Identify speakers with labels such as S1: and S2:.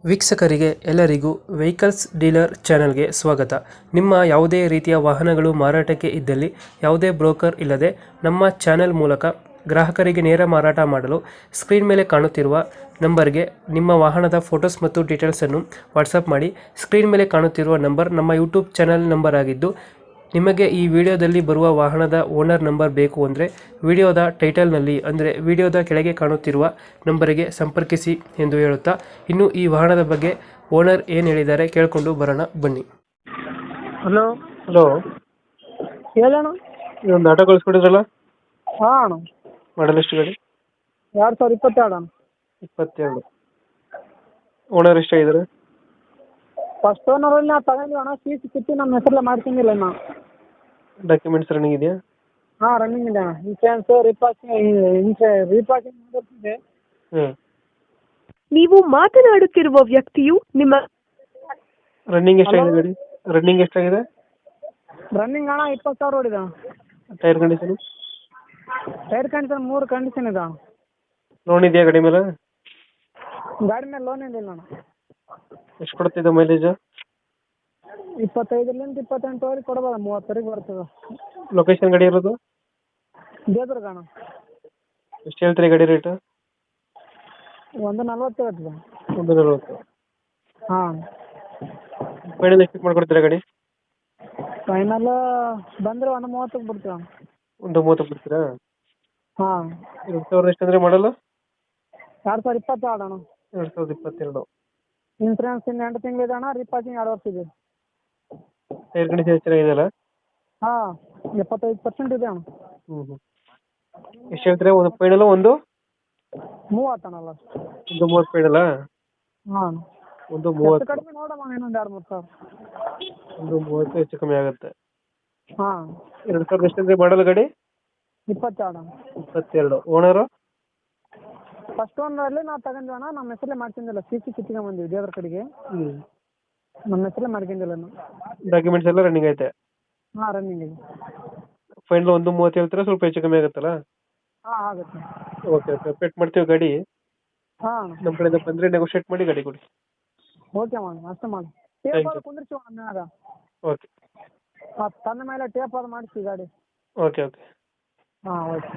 S1: ವೀಕ್ಷಕರಿಗೆ ಎಲ್ಲರಿಗೂ vehicles dealer ಚಾನೆಲ್ಗೆ ಸ್ವಾಗತ. ನಿಮ್ಮ ಯಾವುದೇ ರೀತಿಯ ವಾಹನಗಳು ಮಾರಾಟಕ್ಕೆ ಇದ್ದಲ್ಲಿ ಯಾವುದೇ ಬ್ರೋಕರ್ ಇಲ್ಲದೆ ನಮ್ಮ ಚಾನೆಲ್ ಮೂಲಕ ಗ್ರಾಹಕರಿಗೆ ನೇರ ಮಾರಾಟ ಮಾಡಲು ಸ್ಕ್ರೀನ್ ಮೇಲೆ ಕಾಣುತ್ತಿರುವ ನಂಬರ್ಗೆ ನಿಮ್ಮ ವಾಹನದ ಫೋಟೋಸ್ ಮತ್ತು ಡೀಟೇಲ್ಸನ್ನು ವಾಟ್ಸಪ್ ಮಾಡಿ. ಸ್ಕ್ರೀನ್ ಮೇಲೆ ಕಾಣುತ್ತಿರುವ ನಂಬರ್ ನಮ್ಮ ಯೂಟ್ಯೂಬ್ ಚಾನೆಲ್ ನಂಬರ್ ಆಗಿದ್ದು, ನಿಮಗೆ ಈ ವಿಡಿಯೋದಲ್ಲಿ ಬರುವ ವಾಹನದ ಓನರ್ ನಂಬರ್ ಬೇಕು ಅಂದರೆ ವಿಡಿಯೋದ ಟೈಟಲ್ನಲ್ಲಿ ಅಂದರೆ ವಿಡಿಯೋದ ಕೆಳಗೆ ಕಾಣುತ್ತಿರುವ ನಂಬರಿಗೆ ಸಂಪರ್ಕಿಸಿ ಎಂದು ಹೇಳುತ್ತಾ, ಇನ್ನು ಈ ವಾಹನದ ಬಗ್ಗೆ ಓನರ್ ಏನು ಹೇಳಿದ್ದಾರೆ ಕೇಳಿಕೊಂಡು ಬರೋಣ ಬನ್ನಿ.
S2: ಹಲೋ
S1: ಹಲೋ,
S2: ಹೇಳೋಣ.
S1: ಇದೊಂದು ಆಟೋ ಕಳಿಸ್ಕೊಡಿದ್ರಲ್ಲ,
S2: ಹಾಂ ಅಣ್ಣ,
S1: ಮಾಡಲ್ ಎಷ್ಟು ಗಾಡಿ?
S2: 2022 ಅಣ್ಣ.
S1: 22. ಓನರ್ ಎಷ್ಟಾಗಿದ್ದಾರೆ?
S2: ಫಸ್ಟ್ ಓನರಲ್ಲಿ ನಾವು ತಗೊಂಡಿವಿ ಅಣ್ಣ. ಸಿ ಸಿ ಕಿತ್ತಿ ನಮ್ಮ ಹೆಸರಲ್ಲೇ ಮಾಡ್ಕೊಂಡಿಲ್ಲ ಅಣ್ಣ.
S1: ಡಾಕ್ಯುಮೆಂಟ್ಸ್ ರನ್ನಿಂಗ್ ಇದೆಯಾ?
S2: ಹಾಂ, ರನ್ನಿಂಗ್ ಇದೆ ಅಣ್ಣ. ಇನ್ಶೂರೆನ್ಸ್ ರೀಪಾಸಿಂಗ್ ಮಾಡಿರ್ತಿದೆ.
S1: ಹಾಂ.
S3: ನೀವು ಮಾತನಾಡುತ್ತಿರುವ ವ್ಯಕ್ತಿಯು ನಿಮ್ಮ
S1: ರನ್ನಿಂಗ್ ಎಷ್ಟಾಗಿದೆ ಗಾಡಿ? ರನ್ನಿಂಗ್ ಎಷ್ಟಾಗಿದೆ?
S2: ರನ್ನಿಂಗ್ ಅಣ್ಣ 20,000 ಹೊಡಿದೆ ಅಣ್ಣ.
S1: Tyre condition?
S2: Tyre condition 3 condition ಇದೆ ಅಣ್ಣ.
S1: ಲೋನ್ ಇದೆಯಾ ಗಾಡಿ ಮೇಲೆ?
S2: ಗಾಡಿ ಮೇಲೆ ಲೋನ್ ಏನಿಲ್ಲ ಅಣ್ಣ.
S1: ಎಷ್ಟು ಕೊಡ್ತಿದ್ದೆ ಮೈಲೇಜ್?
S2: 25ರಿಂದ 28ವರೆಗೆ ಕೊಡ್ಬೋದು. 30ವರೆಗೆ ಬರ್ತದೆ.
S1: ಲೊಕೇಶನ್ ಗಾಡಿ ಇರೋದು?
S2: ದೇವದುರ್ಗ ಅಣ್ಣ.
S1: ಎಷ್ಟು ಹೇಳ್ತೀರಿ ಗಾಡಿ ರೇಟ್?
S2: 140 ಹೇಳ್ತದೆ.
S1: 140.
S2: ಹಾಂ,
S1: ಫೈನಲ್ ಎಷ್ಟು ಮಾಡ್ಕೊಡ್ತೀರಾ ಗಾಡಿ?
S2: ಫೈನಲ್ ಬಂದರೆ 130ಕ್ಕೆ ಬಿಡ್ತೀವಿ ಅಣ್ಣ.
S1: 130 ಬಿಡ್ತೀರಾ?
S2: ಹಾಂ.
S1: 2000 ಎಷ್ಟು ಅಂದರೆ ಮಾಡಲ್ಲ?
S2: 2022 ಅಣ್ಣ.
S1: 2022.
S2: ಇನ್ಸೂರೆನ್ಸ್ ಇನ್ನು 8 ತಿಂಗಳಿದೆ ಅಣ್ಣ. ರೀಪಾಸಿಂಗ್ 2 ವರ್ಷ ಇದೆ.
S1: ಟೈರ್ ಕಂಡೀಷನ್ ಚೆನ್ನಾಗಿದೆಯಲ್ಲ?
S2: ಹಾಂ, 75% ಇದೆ ಅಣ್ಣ.
S1: ಎಷ್ಟು ಹೇಳ್ತೀರಾ ಒಂದು ಫೈನಲ್?
S2: 30 ಅಣ್ಣ ಲಾಸ್ಟ್.
S1: 30 ಫೈನಲ್ಲ?
S2: ಹಾಂ,
S1: 30.
S2: ಕಡಿಮೆ ನೋಡಮ್ಮ, ಇನ್ನೊಂದು 2-3 ಸಾವಿರ.
S1: 30 ಹೆಚ್ಚು ಕಮ್ಮಿ ಆಗುತ್ತೆ.
S2: ಹಾಂ.
S1: 2000 ಎಷ್ಟು ಅಂದರೆ ಮಾಡಲ್ಲ ಗಾಡಿ?
S2: 22 ಅಣ್ಣ.
S1: 22. ಓನರು?
S2: ಫಸ್ಟ್ ಓನರಲ್ಲಿ ನಾವು ತಗೊಂಡ್ವಿ ಅಣ್ಣ. ನಮ್ಮ ಹೆಸರಲ್ಲೇ ಮಾಡ್ಕೊಂಡಿಲ್ಲ. ಸಿ ಸಿ ಕಿತ್ಕೊಂಡ್ಬಂದಿವಿ ದೇವ್ರ ಕಡೆಗೆ.
S1: ಹ್ಞೂ.
S2: ನಮ್ಮ ಹೆಸರಲ್ಲೇ ಮಾಡ್ಕೊಂಡಿಲ್ಲ ನಾವು.
S1: ಡಾಕ್ಯುಮೆಂಟ್ಸ್ ಎಲ್ಲ ರನ್ನಿಂಗ್ ಐತೆ?
S2: ಹಾಂ, ರನ್ನಿಂಗ್ ಇದೆ.
S1: ಫೈನಲ್ 130 ಹೇಳ್ತೀರಾ? ಸ್ವಲ್ಪ ಹೆಚ್ಚು ಕಮ್ಮಿ ಆಗುತ್ತಲ್ಲ?
S2: ಹಾಂ, ಆಗುತ್ತೆ.
S1: ಓಕೆ ಓಕೆ, ಅಪ್ಡೇಟ್ ಮಾಡ್ತೀವಿ ಗಾಡಿ.
S2: ಹಾಂ,
S1: ನಮ್ಮ ಕಡೆಯಿಂದ ಬಂದರೆ ನೆಗೋಷಿಯೇಟ್ ಮಾಡಿ ಗಾಡಿ ಕೊಡಿ.
S2: ಓಕೆ ಮಾಡಿ, ಅಷ್ಟೇ ಮಾಡಿ.
S1: Thank
S2: tape
S1: you.
S2: ಅದು ಕುಂದಿರ್ಸಿ ಅಣ್ಣ ಮ್ಯಾಗ.
S1: ಓಕೆ
S2: ತನ್ನ ಮೇಲೆ ಟೇಪ್ ಅದು ಮಾಡಿಸಿ ಗಾಡಿ.
S1: Okay okay.
S2: ಹಾಂ, ಓಕೆ.